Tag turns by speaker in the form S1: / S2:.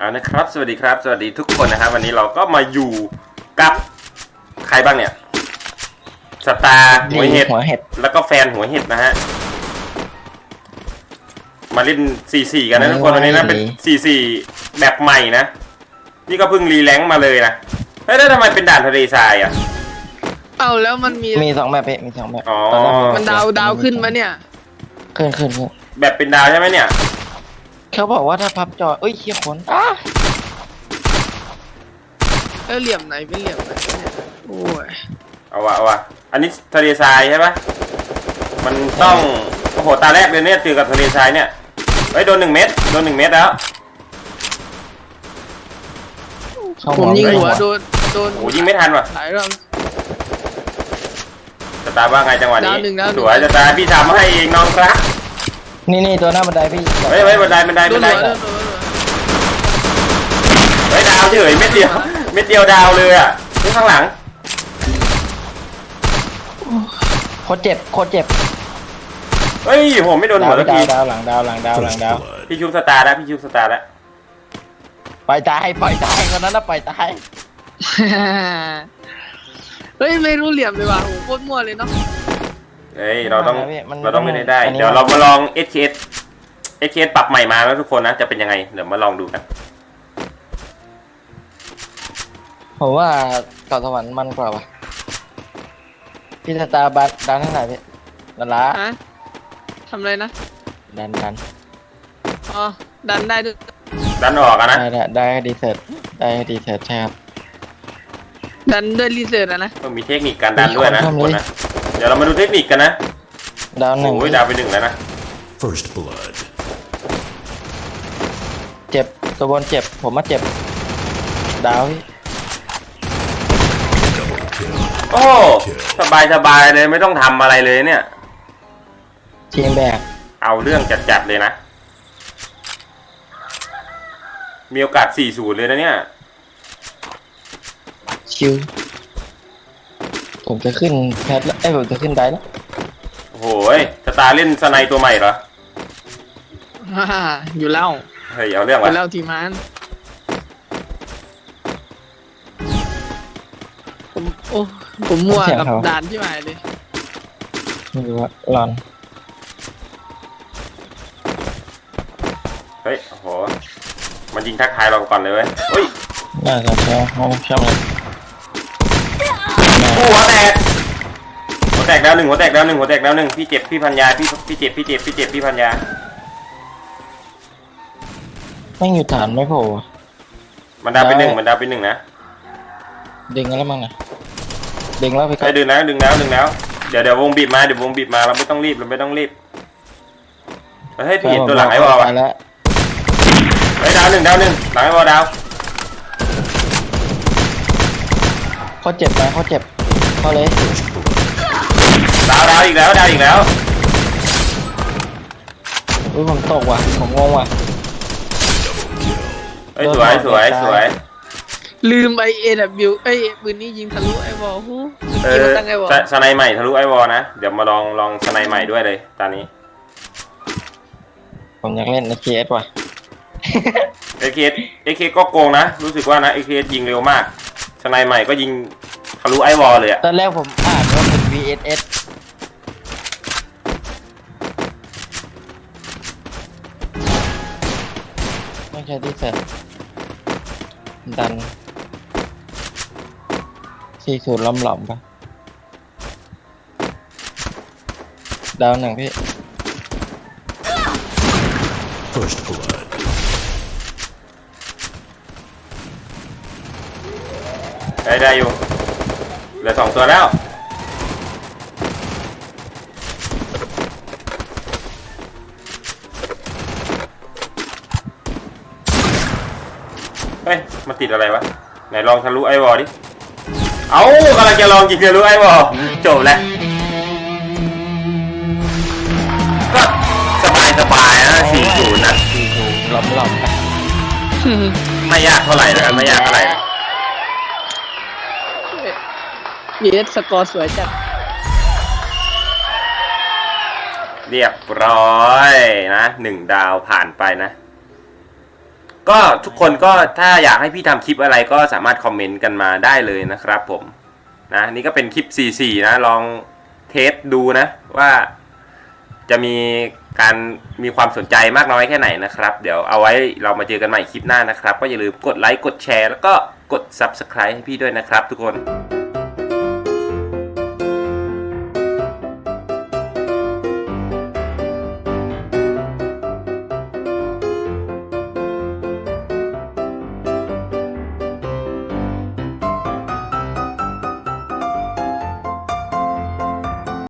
S1: เอานะครับสวัสดีครับสวัสดีทุกคนนะครับวันนี้เราก็มาอยู่กับใครบ้างเนี่ยสตาร์หัวเห็ดแล้วก็แฟนหัวเห็ดนะฮะมาเล่น 4-4 กันนะทุกคนวันนี้นะเป็น 4-4 แบบใหม่นะนี่ก็เพิ่งรีแลงค์มาเลยนะเฮ้ยแล้วทำไมเป็นด่านทะเลทรายอ่ะ
S2: เอาแล้วมันมี
S3: 2แบบมี2แบบ
S1: อ๋อ
S2: มันดาวขึ้นมาเนี่ย
S3: ขึ้น
S1: แบบเป็นดาวใช่ไหมเนี่ย
S3: เขาบอกว่าถ้าพับจอเอ้ยเขี้ยขน
S2: เหลี่ยมไหนเป็นเหลี่ยมไหนเนี่ยโอ้ย
S1: เอาวะอันนี้ทะเลทรายใช่ปะมันต้องโอ้โหตาแรกเลยเนี่ยเจอกับทะเลทรายเนี่ยเฮ้ยโดน1 เม็ดแล้ว
S2: ผมยิงหัวโดน
S1: โอ้ยิงไม่ทันว่ะ
S2: หลายรอบ
S1: สตาร์ว่าไงจังหวะนี้สวยสตาร์พี่ทำให้เองน้องครับ
S3: นี่ตัวหน้าบันไดพี่
S1: เฮ้ยบันไดเฮ้ยดาวเฉยเม็ดเดียวดาวเลยอ่ะนี่ข้างหลัง
S3: โคตรเจ็บ
S1: เฮ้ยผมไม่โดนหัวสักที
S3: ดาวหลังดาว
S1: พี่ชุบสตาร์แล้ว
S3: ปล่อยตายคนนั้นนะปล่อยตาย
S2: เฮ้ยไม่รู้เหลี่ยมเลยว่ะโหโคตรมั่วเลยเนาะ
S1: เฮ้ยเราต้องเล่นได้เดี๋ยวเรามาลอง SKS ปรับใหม่มาแล้วทุกคนนะจะเป็นยังไงเดี๋ยวมาลองดูกัน
S3: ผมว่าเกาะสวรรค์มันกว่าว่ะพี่สตาร์บัตดันเท่าไหร่พี่ดันละ
S2: ทำอะไรนะ
S3: ดัน
S2: อ๋อดันได้ด้วย
S1: ดันออกนะ
S3: ได้ดีเซอร์ใช่ครับ
S2: ดันด้วยรีเสิร์ชนะ
S1: ต้องมีเทคนิคการดันด้วยนะทุกคนนะเดี๋ยวเรามาดูเทคนิคกันนะ
S3: ดาว1
S1: โอ้ยดาวไป1แล้วนะ
S4: First blood
S3: เจ็บตัวบนเจ็บผมมาเจ็บดาวพี่
S1: โอ้สบายเลยไม่ต้องทำอะไรเลยเนี่ย
S3: ทีมแบก
S1: เอาเรื่องจัดเลยนะมีโอกาส 4-0 เลยนะเนี่ย
S3: ชิวผมจะขึ้นแพทแล้วผมจะขึ้นได้แล้ว
S1: โอ้โหสตาร์เล่นสไนตัวใหม่เหรอ
S2: อยู่แล้ว
S1: เฮ้ยเอาเรื่องวะ
S2: อยู่แล้วทีมันผมมั่วกับด่านที่หมายเลย
S3: ไม่รู้ว่าหลอน
S1: เฮ้ยโอ้โหมันยิงทักทายเราก่อนเลยเว้ยเฮ้ย
S3: น่าจะใช่เลย
S1: หัวแตกดาวหนึ่งพี่เจ็บพี่พันยาพี่เจ็บพี่พันยา
S3: ไม่อยู่ฐานไม่โผล่
S1: มันดาวไป1นะ
S3: ดึงแล้วมั้งนะดึงแล้วไป
S1: ก็ดึงแล้วเดี๋ยววงบีบมาเราไม่ต้องรีบเฮ้ยพี่เห็นตัวหลังไอ้วอลเฮ้ยดาวหนึ่งหลังไอ้วอลดาว
S3: เขาเจ็บเขาเลย
S1: ดาวอีกแล้ว
S3: อุ้ยผมตกว่ะผมงงว่ะ
S1: เฮ้ยสวย
S2: ลืมAWปืนนี้ยิงทะลุไอ้วอลตั้งไอ้วอล
S1: สไนใหม่ทะลุไอ้วอลนะเดี๋ยวมาลองสไนใหม่ด้วยเลยตอนนี้
S3: ผมอยากเล่น AKS ว่ะ
S1: AKS ก็โกงนะรู้สึกว่านะ AKS ยิงเร็วมากสไนใหม่ก็ยิงทะลุไอ้วอลเลยอะ
S3: ตอนแรกผมอ่านว่าเป็น VSS ไม่ใช่ที่เสร็จดัน40ล้อมปะดาว1พี่
S4: First blood
S1: ได้อยู่เหลือ2 ตัวแล้วเฮ้ยมันติดอะไรวะไหนลองทะลุไอ้วอลดิเอากำลังจะลองยิงทะลุไอ้วอลจบแล้วก็สบายนะ4-0นะ
S3: ล้อม
S1: ไม่ยากเท่าไหร่นะ
S2: สกอร์สวยจัด
S1: เรียบร้อยนะ1 ดาวผ่านไปนะก็ทุกคนก็ถ้าอยากให้พี่ทำคลิปอะไรก็สามารถคอมเมนต์กันมาได้เลยนะครับผมนะนี่ก็เป็นคลิป 44 นะลองเทสดูนะว่าจะมีความสนใจมากน้อยแค่ไหนนะครับเดี๋ยวเอาไว้เรามาเจอกันใหม่คลิปหน้านะครับก็อย่าลืมกดไลค์กดแชร์แล้วก็กด Subscribe ให้พี่ด้วยนะครับทุกคน